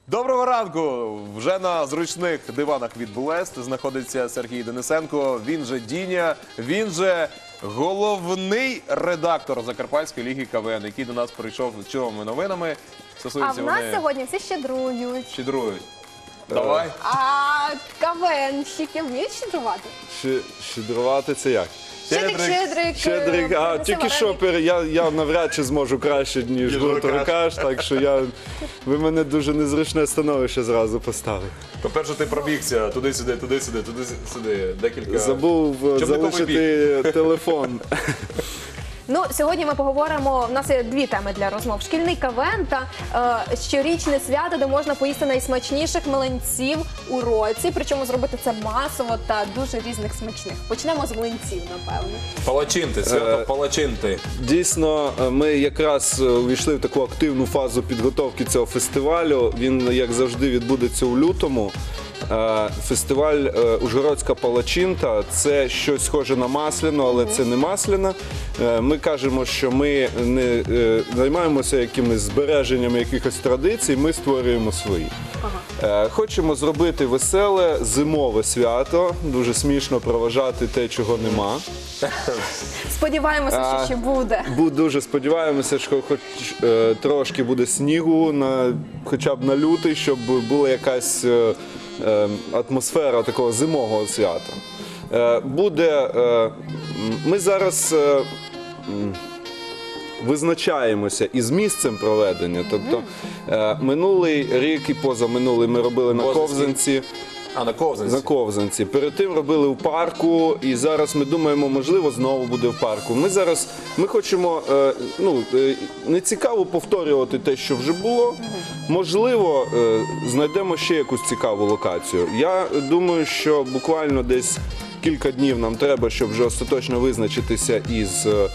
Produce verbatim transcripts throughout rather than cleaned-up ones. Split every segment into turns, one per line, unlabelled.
Доброго ранку! Вже на зручних диванах від Булест знаходиться Сергій Денисенко. Він же Діня, він же головний редактор Закарпатської ліги КВН, який до нас прийшов з чудовими новинами.
А
Стосується
в нас
вони
сьогодні всі щедрують.
щедрують. Давай.
А КВНщики вміють щедрувати?
Щ- Щедрувати це як?
Щедрик, щедрик.
Щедрик, а
принеси
тільки що
вареник.
пер- я, я навряд чи зможу краще, ніж
Ніж
гурт
Рукаш.
Рукаш, так що я, ви мене дуже незручне становище зразу поставили.
По-перше, ти пробігся туди-сюди, туди-сюди, туди-сюди. Декілька...
Забув е,
Щоб не
залишити телефон.
Ну, сьогодні ми поговоримо, в нас є дві теми для розмов. Шкільний КВН та е, щорічне свято, де можна поїсти найсмачніших млинців у році. Причому зробити це масово та дуже різних смачних. Почнемо з млинців, напевно.
Палачинти,
Е,
свято палачинти.
Дійсно, е, ми якраз е, увійшли в таку активну фазу підготовки цього фестивалю. Він, як завжди, відбудеться у лютому. Е, Фестиваль е, Ужгородська палачинта – це щось схоже на масляну, але це не масляна. Е, Ми кажемо, що ми не е, займаємося якимись збереженням якихось традицій, ми створюємо свої. Е, Хочемо зробити веселе зимове свято, дуже смішно проважати те, чого нема.
Сподіваємося, що
А,
ще буде.
Бу- Дуже сподіваємося, що хоч е, трошки буде снігу, на, хоча б на лютий, щоб була якась е, е, атмосфера такого зимового свята. Е, буде, е, м, ми зараз е, м, визначаємося із місцем проведення. Тобто е, минулий рік і позаминулий ми робили на
Позаскільки?
Ковзанці.
А на ковзанці?
За Ковзанці. Перед тим робили у парку, і зараз ми думаємо, можливо, знову буде в парку. Ми зараз ми хочемо, е, ну е, не цікаво повторювати те, що вже було. Можливо, е, знайдемо ще якусь цікаву локацію. Я думаю, що буквально десь кілька днів нам треба, щоб вже остаточно визначитися із е,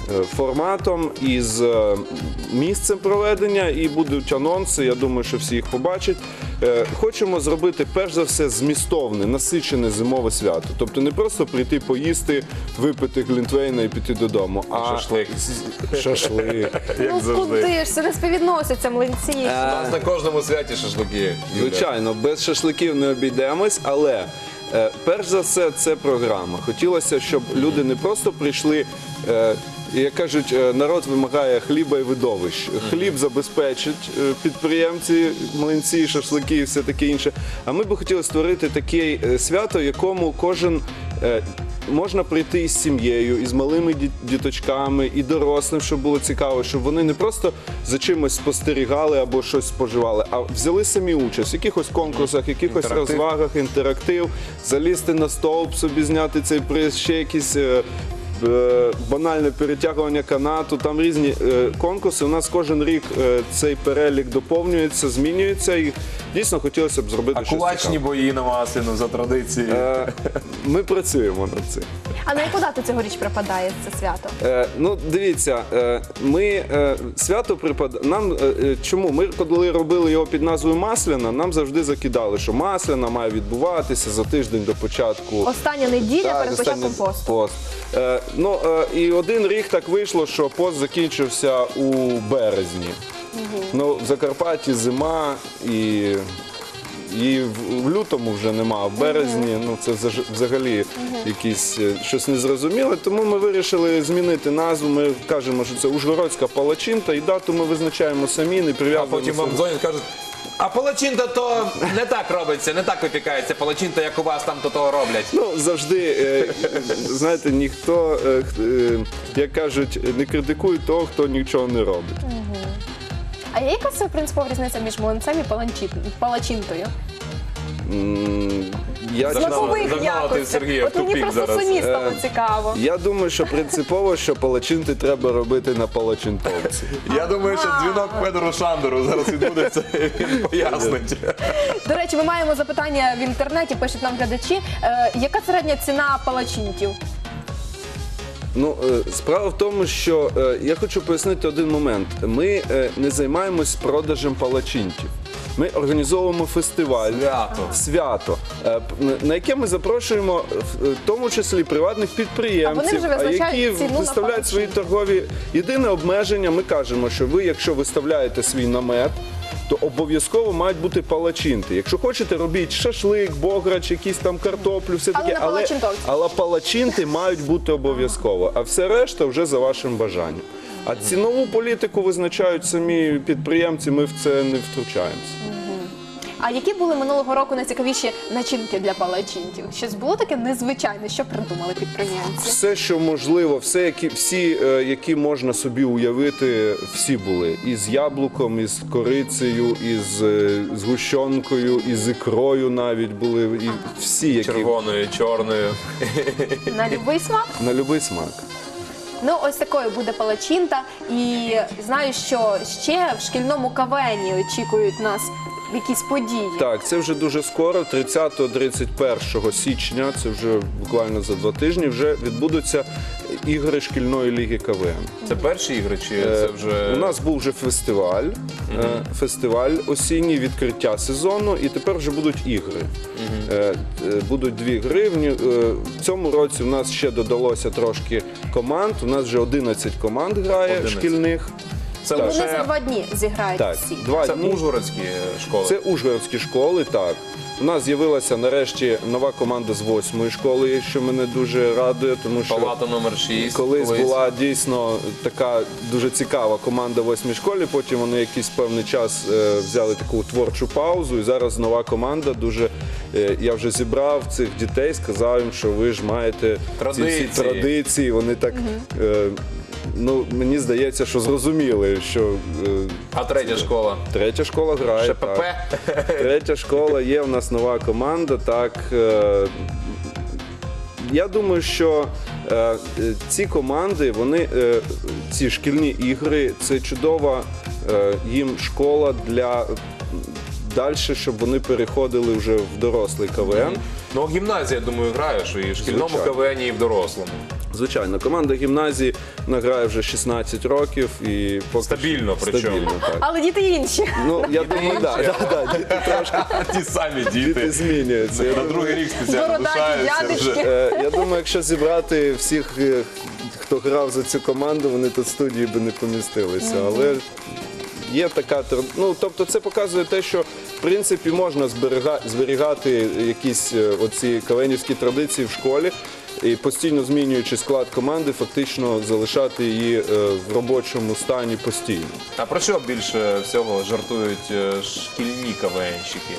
форматом, із е, місцем проведення, і будуть анонси. Я думаю, що всі їх побачать. Е, Хочемо зробити перш за все змістовне, насичене зимове свято. Тобто не просто прийти поїсти, випити глінтвейна і піти додому, а
Шашлик.
шашлик.
Як
Ну
завжди.
куди ж, це не співвідносяться млинці.
У нас на кожному святі шашлики. Юля.
Звичайно, без шашликів не обійдемось, але е, перш за все це програма. Хотілося, щоб люди не просто прийшли. Е, Як кажуть, е, народ вимагає хліба і видовищ. Хліб забезпечить е, підприємці, млинці, шашлики і все таке інше. А ми би хотіли створити таке е, свято, в якому кожен е, можна прийти із сім'єю, із малими ді- діточками, і дорослим, щоб було цікаво, щоб вони не просто за чимось спостерігали або щось споживали, а взяли самі участь в якихось конкурсах, якихось
Інтерактив.
розвагах, інтерактив, залізти на стовп, собі зняти цей приз, ще якісь е, е, банальне перетягування канату, там різні е, конкурси. У нас кожен рік е, цей перелік доповнюється, змінюється, і дійсно хотілося б зробити
А
щось
кулачні
цікаве.
бої на масляну за традицією.
Е, Ми працюємо над цим.
А на яку дату цьогоріч припадає це свято?
Е, ну, дивіться, е, ми е, свято припадає. Нам е, е, чому? Ми коли робили його під назвою Масляна, нам завжди закидали, що Масляна має відбуватися за тиждень до початку.
Остання неділя
Так,
перед
останній
початком посту.
пост. Е, ну, е, і один рік так вийшло, що пост закінчився у березні. Ну, в Закарпатті зима і. І в, в лютому вже нема, а в березні ну це заж- взагалі якісь е, щось незрозуміле. Тому ми вирішили змінити назву. Ми кажемо, що це Ужгородська палачинта, і дату ми визначаємо самі, не
А
прив'язуємо.
потім вам дзвонять і кажуть, а палачинта то не так робиться, не так випікається. Палачинта, як у вас там, то того роблять.
Ну, завжди, е, знаєте, ніхто, е, х- е, як кажуть, не критикує того, хто нічого не робить.
А є якась принципова різниця між млинцем і паланчі- палачинтою?
М, Я,
Загнала-
Смакових
загнала ти
якостей.
Сергія в
От мені
тупік
просто
зараз.
самі стало
Е,
цікаво.
я думаю, що принципово, що палачинти треба робити на палачинтовці.
Я думаю, що дзвінок Федору Шандеру зараз відбудеться, і він пояснить.
До речі, ми маємо запитання в інтернеті, пишуть нам глядачі. Е, яка середня ціна палачинтів?
Ну, е, справа в тому, що е, я хочу пояснити один момент. Ми е, не займаємось продажем палачинтів. Ми організовуємо фестиваль.
Свято.
Свято, е, п- на- на яке ми запрошуємо в в тому числі приватних
А вони
підприємців,
вже визначають
які
ціну на
виставляють свої
палачинки.
торгові. Єдине обмеження, ми кажемо, що ви, якщо виставляєте свій намет, то обов'язково мають бути палачинти. Якщо хочете, робіть шашлик, бограч, якісь там картоплю, все
Але
таке.
на
Але,
палачинтовці.
але палачинти мають бути обов'язково, а все решта вже за вашим бажанням. А цінову політику визначають самі підприємці, ми в це не втручаємося.
А які були минулого року найцікавіші начинки для палачинтів? Щось було таке незвичайне, що придумали підприємці?
Все, що можливо, все, які, всі, е, які можна собі уявити, всі були. І з яблуком, і з корицею, і з е, згущенкою, і з ікрою навіть були. І всі, які
Червоною, чорною.
На любий смак?
на будь-який смак.
Ну, ось такою буде палачинта. І знаю, що ще в шкільному кавені очікують нас якісь події.
Так, це вже дуже скоро, тридцятого - тридцять першого січня, це вже буквально за два тижні, вже відбудуться ігри шкільної ліги КВН.
Це перші ігри, чи це вже...
У нас був вже фестиваль, е, фестиваль осінній, відкриття сезону, і тепер вже будуть ігри. Е, е, Будуть дві гри. В ні- е, В цьому році у нас ще додалося трошки команд. У нас вже одинадцять команд грає
одинадцять.
шкільних.
Це
Вони
лише...
за два дні зіграють
Так,
всі.
два
Це
дні.
ужгородські школи.
Це ужгородські школи, так. У нас з'явилася нарешті нова команда з восьмої школи, що мене дуже радує, тому що
Палата номер шість.
колись була дійсно така дуже цікава команда в восьмій школі, потім вони якийсь певний час е, взяли таку творчу паузу, і зараз нова команда дуже... е, Я вже зібрав цих дітей, сказав їм, що ви ж маєте ці
Традиції.
всі традиції, вони так... е, Ну, мені здається, що зрозуміли, що е,
А третя школа?
третя школа грає.
ШПП?
Так. Третя школа, є в нас нова команда. Так, е, я думаю, що е, е, ці команди, вони, е, ці шкільні ігри, це чудова е, їм школа для далі, щоб вони переходили вже в дорослий КВН.
Ну, гімназія, думаю, граєш і в шкільному
Звичайно.
КВНі, і в дорослому.
Звичайно, команда гімназії награє вже шістнадцять років і поки
Стабільно,
що-
причому.
Стабільно, так.
Але діти інші.
Ну, я думаю, да, да, да, діти трошки
Ті самі
діти
діти.
змінюються. Я
На
думаю,
другий рік спеціально
Бородаті
лишаються
дядечки.
вже.
Е, Я думаю, якщо зібрати всіх, е, хто грав за цю команду, вони тут в студії би не помістилися. Але є така тр- ну, тобто це показує те, що в принципі можна зберега- зберігати якісь е, оці кавенівські традиції в школі. І постійно змінюючи склад команди, фактично залишати її е, в робочому стані постійно.
А про що більше всього жартують е, шкільні КВНщики?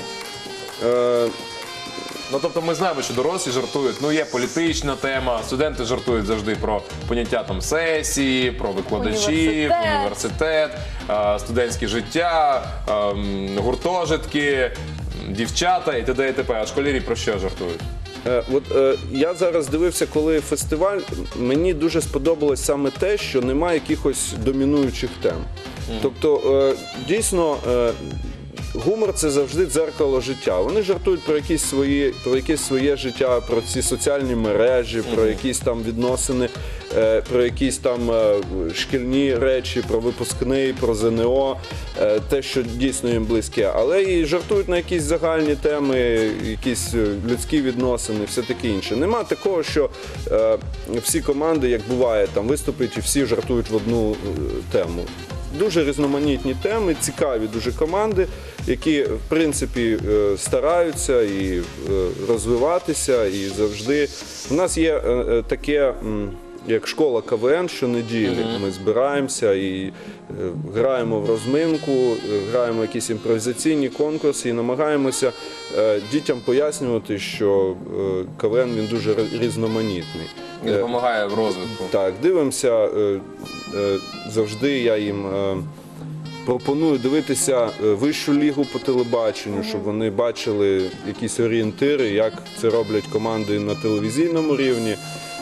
Е,
Ну, тобто ми знаємо, що дорослі жартують, ну є політична тема, студенти жартують завжди про поняття там сесії, про викладачів,
Університет.
університет, е, студентське життя, е, м, гуртожитки, м, дівчата і т.д. і т.п. А школярі про що жартують?
Е, От е, я зараз дивився, коли фестиваль, мені дуже сподобалось саме те, що немає якихось домінуючих тем. Тобто, е, дійсно, е, гумор це завжди дзеркало життя. Вони жартують про якісь свої, про якесь своє життя, про ці соціальні мережі, про якісь там відносини, е, про якісь там е, шкільні речі, про випускний, про ЗНО, е, те, що дійсно їм близьке. Але і жартують на якісь загальні теми, якісь е, людські відносини, все таке інше. Нема такого, що е, всі команди, як буває, там виступить і всі жартують в одну е, тему. Дуже різноманітні теми, цікаві дуже команди, які в принципі е, стараються і е, розвиватися, і завжди. У нас є е, е, таке, м, як школа КВН щонеділі. Ми збираємося і е, граємо в розминку, е, граємо якісь імпровізаційні конкурси і намагаємося е, дітям пояснювати, що е, КВН він дуже ри- різноманітний.
І допомагає в розвитку.
Так, дивимося. е, е, Завжди я їм е, пропоную дивитися е, вищу лігу по телебаченню, щоб вони бачили якісь орієнтири, як це роблять команди на телевізійному рівні.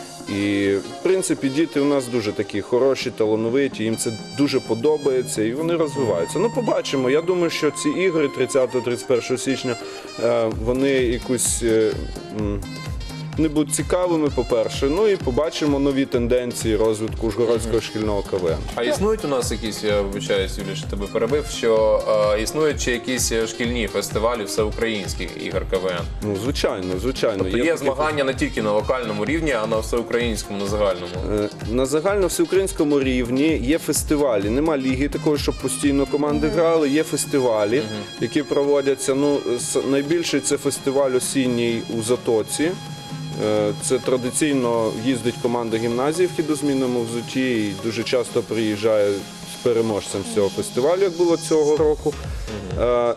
І, в принципі, діти у нас дуже такі хороші, талановиті, їм це дуже подобається і вони розвиваються. Ну, побачимо. Я думаю, що ці ігри тридцятого - тридцять першого січня, е, вони якусь е, м, вони будуть цікавими, по-перше. Ну і побачимо нові тенденції розвитку Ужгородського шкільного КВН.
А існують у нас якісь, я вибачаюсь, Юлія, що тебе перебив, що е, існують чи якісь шкільні фестивалі всеукраїнських ігор КВН?
Ну, звичайно, звичайно.
Тобто є
такі
змагання не тільки на локальному рівні, а на всеукраїнському, на загальному.
Е, На загальновсеукраїнському рівні є фестивалі. Нема ліги такої, щоб постійно команди грали. Є фестивалі, які проводяться. Ну, с- найбільший це фестиваль осінній у Затоці. Е, Це традиційно їздить команда гімназії в хідозмінному взутті і дуже часто приїжджає з переможцем з цього фестивалю, як було цього року. Е, е,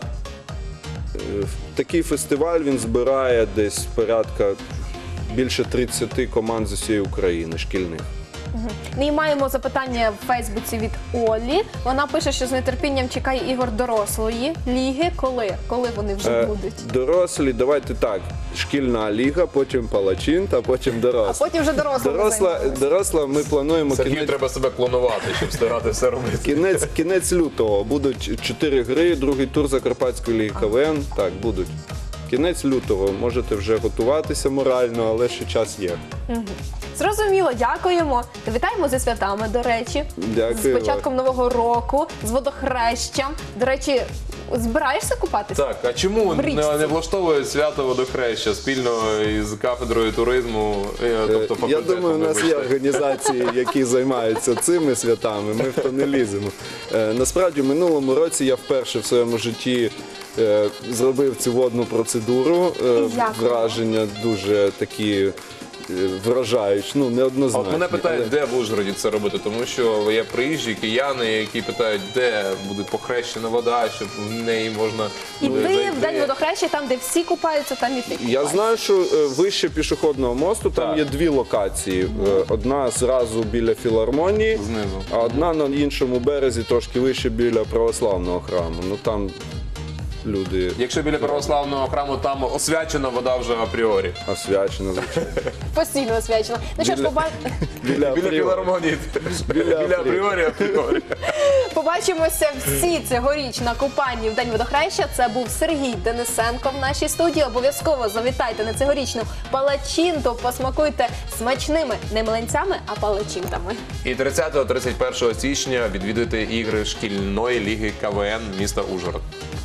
Такий фестиваль він збирає десь порядка більше тридцяти команд з усієї України, шкільних.
Ну і маємо запитання в Фейсбуці від Олі. Вона пише, що з нетерпінням чекає ігор дорослої ліги. Коли? Коли вони вже
Е,
будуть?
Дорослі, давайте так, шкільна ліга, потім палачин, та потім
А
доросла.
потім вже дорослими
Доросла,
займемось.
доросла ми плануємо
Сергію
кінець,
треба себе клонувати, щоб встигати все робити.
кінець, кінець лютого. Будуть чотири гри, другий тур Закарпатської ліги КВН. Так, будуть. Кінець лютого. Можете вже готуватися морально, але ще час є.
Зрозуміло, дякуємо. Вітаємо зі святами, до речі.
Дякую
З початком нового року, з водохрещем. До речі, збираєшся купатися?
Так, а чому
В річці.
не, не влаштовують свято водохреща спільно із кафедрою туризму? е, Тобто,
Я
факультетом,
думаю, у нас є
вибачте?
організації, які займаються цими святами. Ми в то не ліземо. Е, Насправді, в минулому році я вперше в своєму житті е, зробив цю водну процедуру. Е,
Як воно?
Враження дуже такі е, вражаючі, ну
А
неоднозначні.
От мене питають,
Але-
де в Ужгороді це робити, тому що є приїжджі кияни, які питають, де буде похрещена вода, щоб в неї можна буде
Іди
зайти.
в день водохреща, там, де всі купаються, там і ти
Я
купаєшся.
знаю, що е, вище пішохідного мосту там
Так.
є дві локації. Е, Одна зразу біля філармонії,
Знизу.
а одна на іншому березі, трошки вище біля православного храму. Ну там люди
Якщо біля православного храму там освячена вода вже апріорі.
освячені, звичайно.
Постійно освячено. Ну що ж,
Біля-
поба-
Біля
Біля
апріорі.
філармонії.
Біля
Біля
апріорі.
апріорі апріорі.
побачимося всі цьогоріч на купанні в День водохреща. Це був Сергій Денисенко в нашій студії. Обов'язково завітайте на цьогорічну палачинту, посмакуйте смачними не млинцями, а палачинтами.
І тридцятого-тридцять першого січня відвідуйте ігри шкільної ліги КВН міста Ужгород.